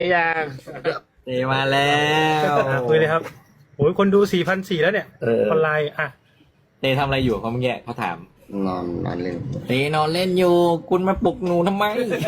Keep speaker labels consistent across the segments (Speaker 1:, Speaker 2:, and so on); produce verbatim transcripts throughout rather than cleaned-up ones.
Speaker 1: ยัง
Speaker 2: เตมาแล้ว
Speaker 3: คุยเลยครับโอ้ยคนดูสี่พันสี่แล้วเนี่ย
Speaker 2: เออ
Speaker 3: ออนไลน์อ่ะ
Speaker 2: เตทำอะไรอยู่เขาเมื่อกี้เขาถาม
Speaker 1: นอนนอนเล่น
Speaker 2: เตนอนเล่นอยู่คุณมาปลุกหนูทำไม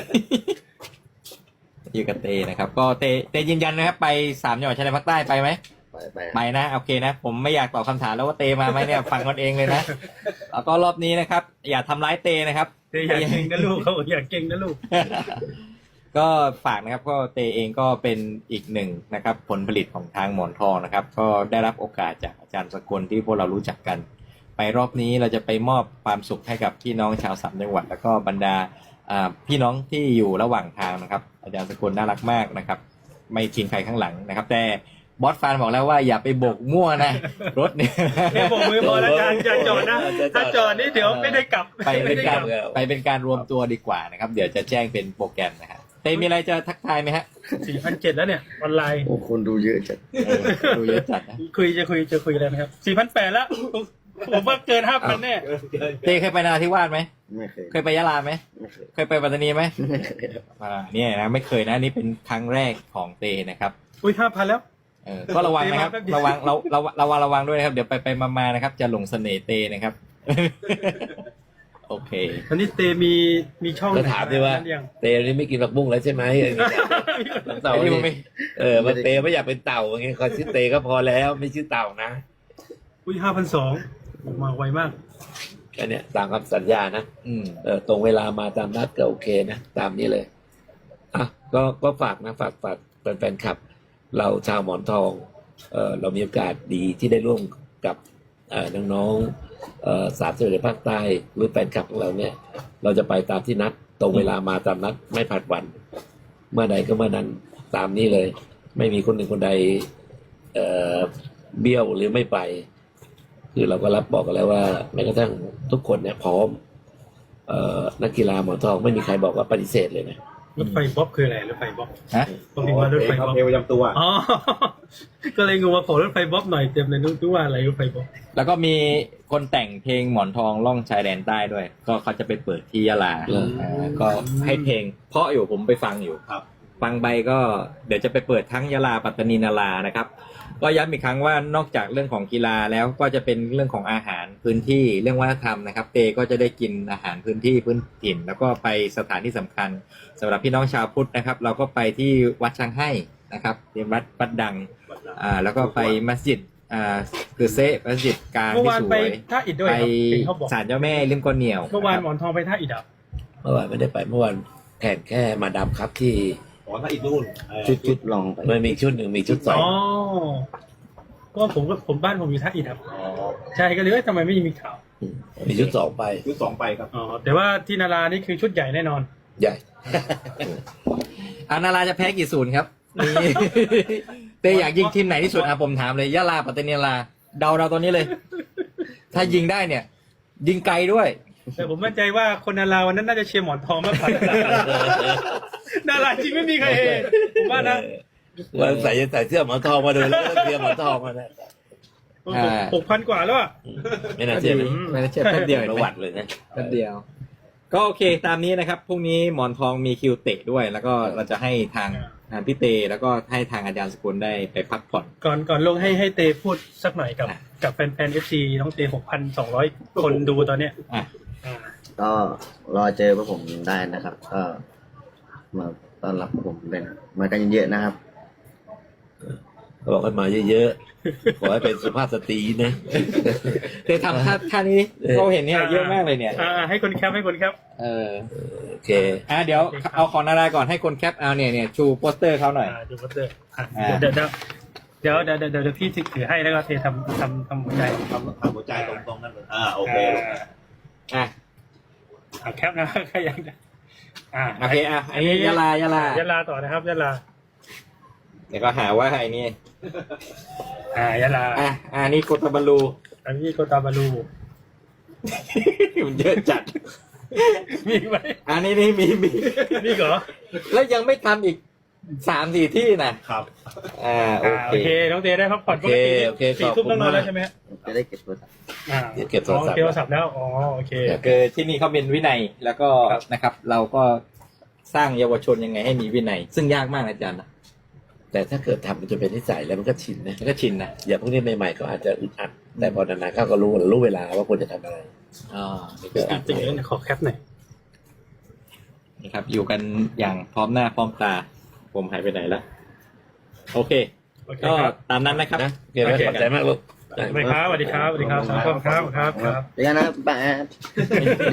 Speaker 2: อยู่กับเตนะครับ ก็เตเตยืนยันนะครับ ไปสามจังหวัดชายแดนภาคใต้ไปไหม
Speaker 1: ไปไป
Speaker 2: ไปนะโอเคนะ ผมไม่อยากตอบคำถามแล้วว่าเตมาไหมเนี่ยฟังกันเองเลยนะแล้วก็รอบนี้นะครับ อย่าทำร้ายเตนะครับ
Speaker 3: เตอยากเก่งนะลูกเขาบอกอยากเก่งนะลูก
Speaker 2: ก็ฝากนะครับก็เตเองก็เป็นอีกหนึ่งนะครับผลผลิตของทางหมอนทองนะครับ ก็ได้รับโอกาสจากอาจารย์สกลที่พวกเรารู้จักกัน ไปรอบนี้เราจะไปมอบความสุขให้กับพี่น้องชาวสามจังหวัดแล้วก็บรรดาอ่าพี่น้องที่อยู่ระหว่างทางนะครับ อาจารย์สกลน่ารักมากนะครับ ไม่ทิ้งใครข้างหลังนะครับ แต่บอสฟานบอกแล้วว่าอย่าไปโบกมั่วนะ รถเนี่ย
Speaker 3: แค่โบกมือพอแล้วการจะจอดนะถ้าจอดนี่เดี๋ยวไม่ได้กลับ
Speaker 2: ไปเป็นการ
Speaker 3: ไม่ได้ลับ
Speaker 2: ไปเป็นการรวมตัวดีกว่านะครับ เดี๋ยวจะแจ้งเป็นโปรแกรมนะฮะเตมีอะไรจะทักทายไหมฮะ
Speaker 3: สี่พันเจ็ดแล้วเนี่ยออนไลน์
Speaker 1: โอ้คนดูเยอะจัด
Speaker 2: เออดูเยอะจัดนะ
Speaker 3: คุยจะคุยจะคุยอะไรไหมครับสี่พันแปดแล้วผมว่าเกินห้าพันแน่
Speaker 2: เตเคยไปนราธิวาสไหม
Speaker 1: ไม่เคย
Speaker 2: เคยไปยะลาไหม
Speaker 1: ไม่เคย
Speaker 2: เคยไปปัตตานีไหม
Speaker 1: ไม่เคย
Speaker 2: อ่าเนี่ยนะไม่เคยนะนี่เป็นครั้งแรกของเตนะครับ
Speaker 3: อุ้ยห้าพันแล้ว
Speaker 2: เออก็ระวังนะครับ
Speaker 3: เตมาแป๊บเดียว
Speaker 2: ระวังเราเราระวังระวังด้วยนะครับเดี๋ยวไปไปมาๆนะครับ จะหลงเสน่ห์เตนะครับ โอเค
Speaker 3: ตอนนี้เตมีมีช่อง
Speaker 4: ก็ถามด้วยว่า
Speaker 3: ไหนยัง
Speaker 4: เตนี่ไม่กินผักบุ้งแล้วใช่ไหมเต่า
Speaker 2: ไอ้นี่มันไม่
Speaker 4: เออมันเตไม่อยากเป็นเต่าอย่างเงี้ยคอยชื่อเตก็พอแล้วไม่ชื่อเต่านะ
Speaker 3: อุ้ยห้าพันสองมาไวมาก
Speaker 4: แค่เนี้ยตามคำสัญญานะ
Speaker 2: อืม
Speaker 4: เออตรงเวลามาตามนัดก็โอเคนะตามนี้เลยอ่ะก็ก็ฝากนะฝากฝากแฟนๆคลับ เราชาวหมอนทองเออเรามีโอกาสดีที่ได้ร่วมกับเออน้องๆเออสามจังหวัดภาคใต้หรือแฟนคลับของเราเนี่ย เราจะไปตามที่นัด ตรงเวลามาตามนัดไม่ผัดวัน เมื่อใดก็เมื่อนั้นตามนี้เลย ไม่มีคนหนึ่งคนใดเอ่อเบี้ยวหรือไม่ไป คือเราก็รับบอกกันแล้วว่าแม้กระทั่งทุกคนเนี่ยพร้อมเอ่อนักกีฬาหมอนทองไม่มีใครบอกว่าปฏิเสธเลยนะ
Speaker 3: รถไฟบ๊อบคืออะไรรถไฟบ๊อบ
Speaker 2: ฮะ
Speaker 3: ผมพิมพ์ว่ารถไฟบ๊อบ
Speaker 1: เอวประจำตัว
Speaker 3: อ๋อ ก็เลยงงว่าขอรถไฟบ๊อบหน่อยเต็มเลยนึกว่าอะไรรถไฟบ๊อบ
Speaker 2: แล้วก็มีคนแต่งเพลงหมอนทองล่องชายแดนใต้ด้วย ก็เขาจะไปเปิดที่ยะลา
Speaker 4: เหรอ
Speaker 2: อ่าก็ให้เพลงเพราะอยู่ผมไปฟังอยู่
Speaker 1: ครับ
Speaker 2: ฟังไปก็เดี๋ยวจะไปเปิดทั้งยะลาปัตตานีนารานะครับ ก็ย้ำอีกครั้งว่านอกจากเรื่องของกีฬาแล้วก็จะเป็นเรื่องของอาหารพื้นที่เรื่องวัฒนธรรมนะครับเตก็จะได้กินอาหารพื้นที่พื้นถิ่น แล้วก็ไปสถานที่สำคัญสำหรับพี่น้องชาวพุทธนะครับ เราก็ไปที่วัดช้างให้นะครับเป็นวัดวัดดังอ่าแล้วก็ไปมัสยิดอ่าคือเซะมัสยิดกลาง
Speaker 3: เมื่อ
Speaker 2: ที่
Speaker 3: วาน
Speaker 2: ส
Speaker 3: ไป
Speaker 2: วย
Speaker 3: ท่าอิฐด้วย
Speaker 2: ไป
Speaker 3: ครับเห็นเขาบอก
Speaker 2: ศาลเจ้าแม่ริมก้นเหนียว
Speaker 3: เมื่อวานหม
Speaker 2: ะ
Speaker 3: อนทองไปท่าอิฐอ่ะ
Speaker 4: เมื่อวานไม่ได้ไปเมื่อวานแข่งแค่มาดามครับที่
Speaker 1: อ๋อถ้าอีกนู่น
Speaker 4: ชุดชุด
Speaker 1: ลองไป
Speaker 4: มันมีชุดหนึ่งมีชุดสอง
Speaker 3: อ๋อก็ผมก็ผมบ้านผมอยู่ท่าอิฐครับ
Speaker 1: อ๋อ
Speaker 3: ใช่ก็เลยว่าทำไมไม่มีข่าว
Speaker 4: มีชุดสองไป
Speaker 1: ชุดสองไปครับ
Speaker 3: อ๋อแต่ว่าที่นารานี่คือชุดใหญ่แน่นอน
Speaker 4: ใหญ่
Speaker 2: อานาราจะแพ้กี่ศูนย์ครับนี่ เตอยากยิงทีมไหนที่สุดอ่ะผมถามเลยยะลาปัตตานีนาราเดาเราตอนนี้เลย ถ้ายิงได้เนี่ย ยิงไกลด้วย
Speaker 3: แต่ผมมั่นใจว่าคนนาราวันนั้นน่าจะเชียร์หมอนทองมากกว่า นาราจริงไม่มีใครเห็นผมว่านะ
Speaker 4: วันใส่ใส่เสื้อหมอนทองมาเลยแล้วก็เสื้อหมอนทองมาเนี่ย
Speaker 2: อ่า
Speaker 3: หกพันกว่าแล้วอ่ะ
Speaker 4: ไม่น่าเชื่อเลย
Speaker 2: ไม่ได้เชื่อแป๊บเดียว
Speaker 4: ป
Speaker 2: เห็น
Speaker 4: ระ
Speaker 2: ไหม
Speaker 4: วัติเลยนะ
Speaker 2: แป๊บเดียว ก็โอเคตามนี้นะครับพรุ่งนี้หมอนทองมีคิวเตะด้วย แล้วก็เราจะให้ทางทางพี่เตแล้วก็ให้ทางอาจารย์สกุลได้ไปพักผ่อน
Speaker 3: ก่อนก่อนลงให้ให้เตพูดสักหน่อยกับ
Speaker 2: อ่ะ
Speaker 3: กับแฟนแฟนเอฟซีน้องเตหกพันสองร้อยคนดูตอนเนี้ย
Speaker 2: อ่ะ
Speaker 3: อ่า
Speaker 1: ก็รอเจอพวกผมได้นะครับ ก็มาต้อนรับพวกผมเลยนะมากันเยอะๆนะครับ
Speaker 4: เขาบอกกันมาเยอะๆขอให้เป็นสุภาพสตรีนะ
Speaker 2: เตทำท่าท่านี้เราเห็นเนี่ยเยอะมากเลยเนี่ย
Speaker 3: อ่าอ่าให้คนแคปให้คนแคป
Speaker 2: เออ
Speaker 4: โอเค
Speaker 2: อ่ะเดี๋ยวเอาของนาราก่อนให้คนแคปเอาเนี่ยเนี่ยชูโปสเตอร์เขาหน่อย
Speaker 3: อ่าดูวัตเตอร์อ่ะ
Speaker 2: อ่า
Speaker 3: เดี๋ยวเดี๋ยวเดี๋ยวเดี๋ยวเดี๋ยวเดี๋ยวเดี๋ยวพี่ถือให้แล้วก็เททำทำทำหัวใจ
Speaker 1: ทำทำหัวใจตรงๆนั่นเลยอ่าโอเค
Speaker 3: อ่า
Speaker 2: อ่ะ
Speaker 3: อ่าแคปนะ ใครยังอ่า
Speaker 2: โอเคอ่ะอันนี้ยะลายะลาย
Speaker 3: ะลาต่อนะครับยะลา
Speaker 2: เดี๋ยวก็หาว่าไอ้นี่
Speaker 3: อ่ายะลา
Speaker 2: อ่ะอ่ะนี่โกตาบาลู
Speaker 3: อันนี้โกตาบาลู
Speaker 2: มันเยอะจัด
Speaker 3: มีไหม
Speaker 2: อันนี้นี่มีมี
Speaker 3: นี่เหรอ
Speaker 2: แล้วยังไม่ทำอีกสามสี่ที่นะครับ อ่าโอ
Speaker 3: อ่า
Speaker 2: เค
Speaker 3: โอเคน้องเตได้พักผ่อนปกติ
Speaker 4: โอเค
Speaker 3: สี่
Speaker 4: ขอบ
Speaker 3: ทุ่ม
Speaker 4: คุ
Speaker 3: ต้อ
Speaker 4: ณ
Speaker 3: งนอน
Speaker 4: มาก
Speaker 3: แล้วใช่ไหมฮะ
Speaker 1: จะได้เก็บตัว
Speaker 3: อ่า
Speaker 4: เดี๋ยวเก็บโทรศัพท์
Speaker 3: อ๋อเก็บโทรศัพท์แล้วอ๋อโอเค
Speaker 2: คือที่นี่เขาเป็นวินัยแล้วก็
Speaker 3: ครับ
Speaker 2: นะครับ เราก็สร้างเยาวชนยังไงให้มีวินัย ซึ่งยากมากนะอาจารย์นะ
Speaker 4: แต่ถ้าเกิดทำมันจะเป็นนิสัยแล้วมันก็ชินนะ
Speaker 2: มันก็ชินนะ
Speaker 4: อย่างพวกนี้ใหม่ๆก็อาจจะอึดอัดแต่พอนานๆเขาก็รู้รู้เวลาว่าควรจะทำอะไร
Speaker 2: อ๋อนี่
Speaker 3: จ
Speaker 2: ก็
Speaker 3: ริงๆขอแคปหน่อย
Speaker 2: นะครับ อยู่กันอย่างพร้อมหน้าพร้อมตา ผมหายไปไหนละโอเค
Speaker 3: โอเค
Speaker 2: ก็
Speaker 3: ครับ
Speaker 2: ตามนั้นนะครับ
Speaker 4: นะโอเคไหม
Speaker 3: โอเค
Speaker 4: ขอบใจมากลูก
Speaker 3: สวัสดีครับสวัสดีครับสวัสดีครับครับครับครับ
Speaker 1: เดี๋ยวนะแปด